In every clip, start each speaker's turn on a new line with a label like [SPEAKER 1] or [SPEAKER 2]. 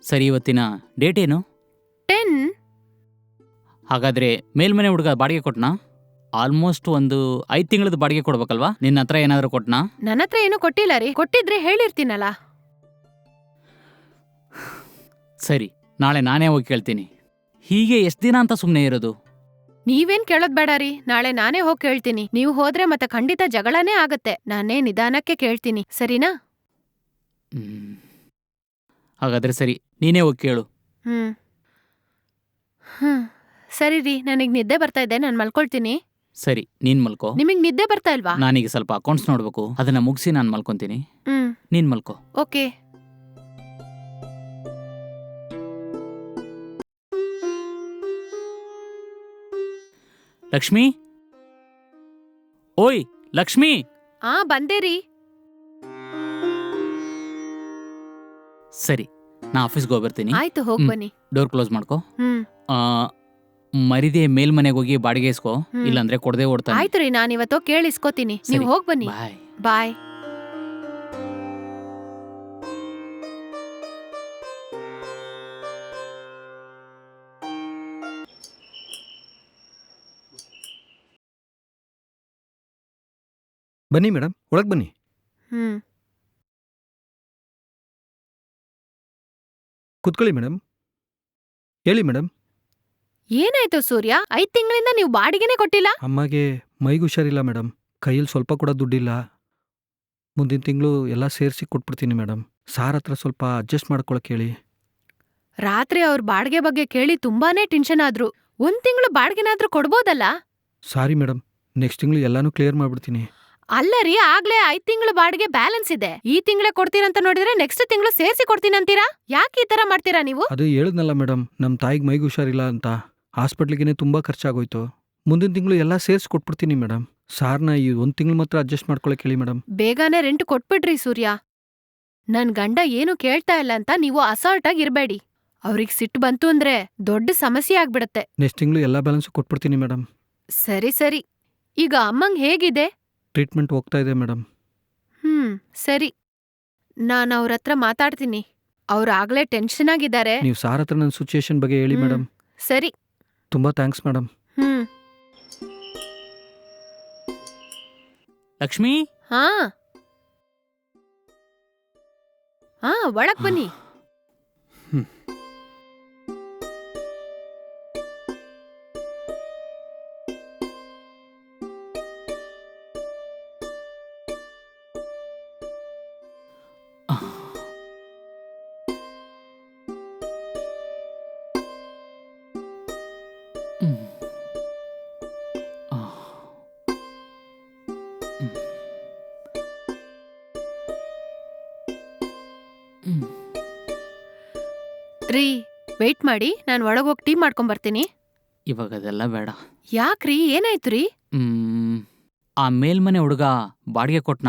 [SPEAKER 1] ಸರಿ, ಇವತ್ತಿನ ಡೇಟ್ ಏನು?
[SPEAKER 2] 10.
[SPEAKER 1] ಹಾಗಾದ್ರೆ ಮೇಲ್ಮನೆ ಹುಡುಗ ಬಾಡಿಗೆ ಕೊಟ್ನಾ? ಆಲ್ಮೋಸ್ಟ್ ಒಂದು 5 ತಿಂಗಳದ ಬಾಡಿಗೆ ಕೊಡ್ಬೇಕಲ್ವಾ? ನಿನ್ನ ಹತ್ರ ಏನಾದರೂ ಕೊಟ್ನಾ?
[SPEAKER 2] ನನ್ನ ಹತ್ರ ಏನೂ ಕೊಟ್ಟಿಲ್ಲ ರೀ. ಕೊಟ್ಟಿದ್ರೆ ಹೇಳಿರ್ತೀನಲ್ಲ.
[SPEAKER 1] ಸರಿ, ನಾಳೆ ನಾನೇ ಹೋಗಿ ಕೇಳ್ತೀನಿ. ಹೀಗೆ ಎಷ್ಟು ದಿನ ಅಂತ ಸುಮ್ಮನೆ ಇರೋದು?
[SPEAKER 2] ನೀವೇನ್ ಕೇಳೋದ್ ಬೇಡ ರೀ. ನಾಳೆ ನಾನೇ ಹೋಗಿ ಕೇಳ್ತೀನಿ. ನೀವು ಹೋದ್ರೆ ಮತ್ತೆ ಖಂಡಿತ ಜಗಳನೇ ಆಗತ್ತೆ. ನಾನೇ ನಿಧಾನಕ್ಕೆ ಕೇಳ್ತೀನಿ, ಸರಿನಾ?
[SPEAKER 1] ಹಾಗಾದ್ರೆ ಸರಿ, ನೀನೇ ಹೋಗಿ ಕೇಳು.
[SPEAKER 2] ಹ್ಮ್ ಹ್ಮ್ ಸರಿ ರೀ, ನನಗ್ ನಿದ್ದೆ ಬರ್ತಾ ಇದೆ, ನಾನು ಮಲ್ಕೊಳ್ತೀನಿ.
[SPEAKER 1] ಸರಿ, ನೀನ್ ಮಲ್ಕೋ.
[SPEAKER 2] ನಿಮಗ್ ನಿದ್ದೆ ಬರ್ತಾ ಇಲ್ವಾ?
[SPEAKER 1] ನಾನೀಗ ಸ್ವಲ್ಪ ಅಕೌಂಟ್ಸ್ ನೋಡ್ಬೇಕು, ಅದನ್ನ ಮುಗಿಸಿ ನಾನು ಮಲ್ಕೊಂತೀನಿ. ನೀನ್ ಮಲ್ಕೋ.
[SPEAKER 2] ಓಕೆ.
[SPEAKER 1] ಲಕ್ಷ್ಮಿ, ಓಯ್ ಲಕ್ಷ್ಮಿ.
[SPEAKER 2] ಬಂದೆ ರೀ.
[SPEAKER 1] ಸರಿ, ನಾ ಆಫೀಸ್ಗೆ ಹೋಗ್ಬರ್ತೀನಿ.
[SPEAKER 2] ಆಯ್ತು, ಹೋಗ್ ಬನ್ನಿ.
[SPEAKER 1] ಡೋರ್ ಕ್ಲೋಸ್ ಮಾಡ್ಕೋ.
[SPEAKER 2] ಹ್ಮ್
[SPEAKER 1] ಮರಿದೆ ಮೇಲ್ಮನೆಗೆ ಹೋಗಿ ಬಾಡಿಗೆ ಇಸ್ಕೋ, ಇಲ್ಲಾಂದ್ರೆ ಕೊಡದೆ ಓಡ್ತಾನೆ.
[SPEAKER 2] ಆಯ್ತು ರೀ, ನಾನಿವತ್ತು ಕೇಳಿಸ್ಕೋತೀನಿ. ನೀವು
[SPEAKER 1] ಸರಿ,
[SPEAKER 2] ಹೋಗ್ ಬನ್ನಿ.
[SPEAKER 1] ಬಾಯ್.
[SPEAKER 2] ಬಾಯ್.
[SPEAKER 3] ಬನ್ನಿ ಮೇಡಮ್, ಒಳಗೆ ಬನ್ನಿ.
[SPEAKER 2] ಹ್ಮ್
[SPEAKER 3] ಕುತ್ಕೊಳ್ಳಿ ಮೇಡಮ್. ಹೇಳಿ ಮೇಡಮ್.
[SPEAKER 2] ಏನಾಯ್ತು ಸೂರ್ಯ? 5 ತಿಂಗಳಿಂದ ನೀವು ಬಾಡಿಗೆನೆ ಕೊಟ್ಟಿಲ್ಲ.
[SPEAKER 3] ಅಮ್ಮಗೆ ಮೈಗೆ ಹುಷಾರಿಲ್ಲ ಮೇಡಮ್. ಕೈಯಲ್ಲಿ ಸ್ವಲ್ಪ ಕೂಡ ದುಡ್ಡಿಲ್ಲ. ಮುಂದಿನ ತಿಂಗಳು ಎಲ್ಲ ಸೇರಿಸಿ ಕೊಟ್ಬಿಡ್ತೀನಿ ಮೇಡಮ್. ಸಾರ್ ಹತ್ರ ಸ್ವಲ್ಪ ಅಡ್ಜಸ್ಟ್ ಮಾಡ್ಕೊಳಕ್ಕೆ ಹೇಳಿ.
[SPEAKER 2] ರಾತ್ರಿ ಅವ್ರ ಬಾಡಿಗೆ ಬಗ್ಗೆ ಕೇಳಿ ತುಂಬಾನೇ ಟೆನ್ಷನ್ ಆದ್ರು. 1 ತಿಂಗಳು ಬಾಡಿಗೆನಾದ್ರೂ ಕೊಡ್ಬೋದಲ್ಲ?
[SPEAKER 3] ಸಾರಿ ಮೇಡಮ್, ನೆಕ್ಸ್ಟ್ ತಿಂಗಳು ಎಲ್ಲಾನು ಕ್ಲಿಯರ್ ಮಾಡ್ಬಿಡ್ತೀನಿ.
[SPEAKER 2] ಅಲ್ಲ ರೀ, ಆಗ್ಲೇ 5 ತಿಂಗಳು ಬಾಡಿಗೆ ಬ್ಯಾಲೆನ್ಸ್ ಇದೆ. ಈ ತಿಂಗಳೇ ಕೊಡ್ತೀರಂತ ನೋಡಿದ್ರೆ ನೆಕ್ಸ್ಟ್ ತಿಂಗಳು ಸೇರಿಸಿ ಕೊಡ್ತೀನಂತೀರಾ? ಯಾಕೆ ಈ ತರ ಮಾಡ್ತೀರಾ ನೀವು?
[SPEAKER 3] ಅದು ಹೇಳಿದ್ನಲ್ಲ ಮೇಡಮ್, ನಮ್ಮ ತಾಯಿಗೆ ಮೈಗೆ ಹುಷಾರಿಲ್ಲ ಅಂತ. ಹಾಸ್ಪಿಟ್ಲಿಗೆ ತುಂಬ ಖರ್ಚಾಗೋಯ್ತು. ಮುಂದಿನ ತಿಂಗಳು ಎಲ್ಲ ಸೇರಿಸಿ ಕೊಟ್ಬಿಡ್ತೀನಿ ಮೇಡಮ್. ಸಾರ್ನ ಈ 1 ತಿಂಗಳು ಮಾತ್ರ ಅಡ್ಜಸ್ಟ್ ಮಾಡ್ಕೊಳಕ್ಕೆ ಹೇಳಿ ಮೇಡಮ್.
[SPEAKER 2] ಬೇಗನೆ ರೆಂಟ್ ಕೊಟ್ಬಿಡ್ರಿ ಸೂರ್ಯ. ನನ್ ಗಂಡ ಏನು ಕೇಳ್ತಾ ಇಲ್ಲ ಅಂತ ನೀವು ಅಸಾಲ್ಟ್ ಆಗಿ ಇರ್ಬೇಡಿ. ಅವ್ರಿಗೆ ಸಿಟ್ಟು ಬಂತು ಅಂದ್ರೆ ದೊಡ್ಡ ಸಮಸ್ಯೆ ಆಗ್ಬಿಡತ್ತೆ.
[SPEAKER 3] ನೆಕ್ಸ್ಟ್ ತಿಂಗಳು ಎಲ್ಲ ಬ್ಯಾಲೆನ್ಸು ಕೊಟ್ಬಿಡ್ತೀನಿ ಮೇಡಮ್.
[SPEAKER 2] ಸರಿ ಸರಿ. ಈಗ ಅಮ್ಮಂಗ್ ಹೇಗಿದೆ?
[SPEAKER 3] ಟ್ರೀಟ್ಮೆಂಟ್ ಹೋಗ್ತಾ ಇದೆ ಮೇಡಮ್.
[SPEAKER 2] ಸರಿ, ನಾನು ಅವ್ರ ಹತ್ರ ಮಾತಾಡ್ತೀನಿ. ಅವ್ರು ಆಗ್ಲೇ ಟೆನ್ಷನ್ ಆಗಿದ್ದಾರೆ.
[SPEAKER 3] ನೀವು ಸಾರ್ ಹತ್ರ ನನ್ನ ಸಿಚುಯೇಷನ್ ಬಗ್ಗೆ ಹೇಳಿ ಮೇಡಮ್.
[SPEAKER 2] ಸರಿ.
[SPEAKER 3] ತುಂಬ ಥ್ಯಾಂಕ್ಸ್ ಮೇಡಮ್.
[SPEAKER 1] ಲಕ್ಷ್ಮಿ.
[SPEAKER 2] ಹಾ ಒಳಗ್ ಬನ್ನಿ. ರೀ, ವೆಯ್ಟ್ ಮಾಡಿ, ನಾನು ಒಳಗೋಗಿ ಟೀ ಮಾಡ್ಕೊಂಬರ್ತೀನಿ.
[SPEAKER 1] ಇವಾಗ ಅದೆಲ್ಲ ಬೇಡ.
[SPEAKER 2] ಯಾಕ್ರಿ, ಏನಾಯ್ತು ರೀ?
[SPEAKER 1] ಆ ಮೇಲ್ಮನೆ ಹುಡುಗ ಬಾಡಿಗೆ ಕೊಟ್ನಾ?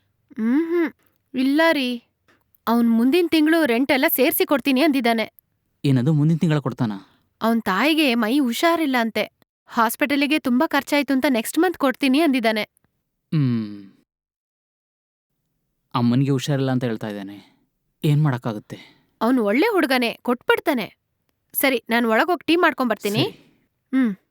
[SPEAKER 2] ಇಲ್ಲ ರೀ, ಅವ್ನ್ ಮುಂದಿನ ತಿಂಗಳು ರೆಂಟ್ ಎಲ್ಲ ಸೇರ್ಸಿ ಕೊಡ್ತೀನಿ ಅಂದಿದ್ದಾನೆ.
[SPEAKER 1] ಏನದು ಮುಂದಿನ ತಿಂಗಳ ಕೊಡ್ತಾನ?
[SPEAKER 2] ಅವನ್ ತಾಯಿಗೆ ಮೈ ಹುಷಾರಿಲ್ಲ ಅಂತೆ. ಹಾಸ್ಪಿಟಲಿಗೆ ತುಂಬಾ ಖರ್ಚಾಯ್ತು ಅಂತ ನೆಕ್ಸ್ಟ್ ಮಂತ್ ಕೊಡ್ತೀನಿ ಅಂದಿದ್ದಾನೆ.
[SPEAKER 1] ಅಮ್ಮನಿಗೆ ಹುಷಾರಿಲ್ಲ ಅಂತ ಹೇಳ್ತಾ ಇದ್ದಾನೆ. ಏನ್ ಮಾಡಕ್ಕಾಗುತ್ತೆ?
[SPEAKER 2] ಅವನು ಒಳ್ಳೆ ಹುಡುಗನೇ, ಕೊಟ್ಬಿಡ್ತಾನೆ. ಸರಿ, ನಾನು ಒಳಗೋಗಿ ಟೀ ಮಾಡ್ಕೊಂಬರ್ತೀನಿ.
[SPEAKER 1] ಸರಿ.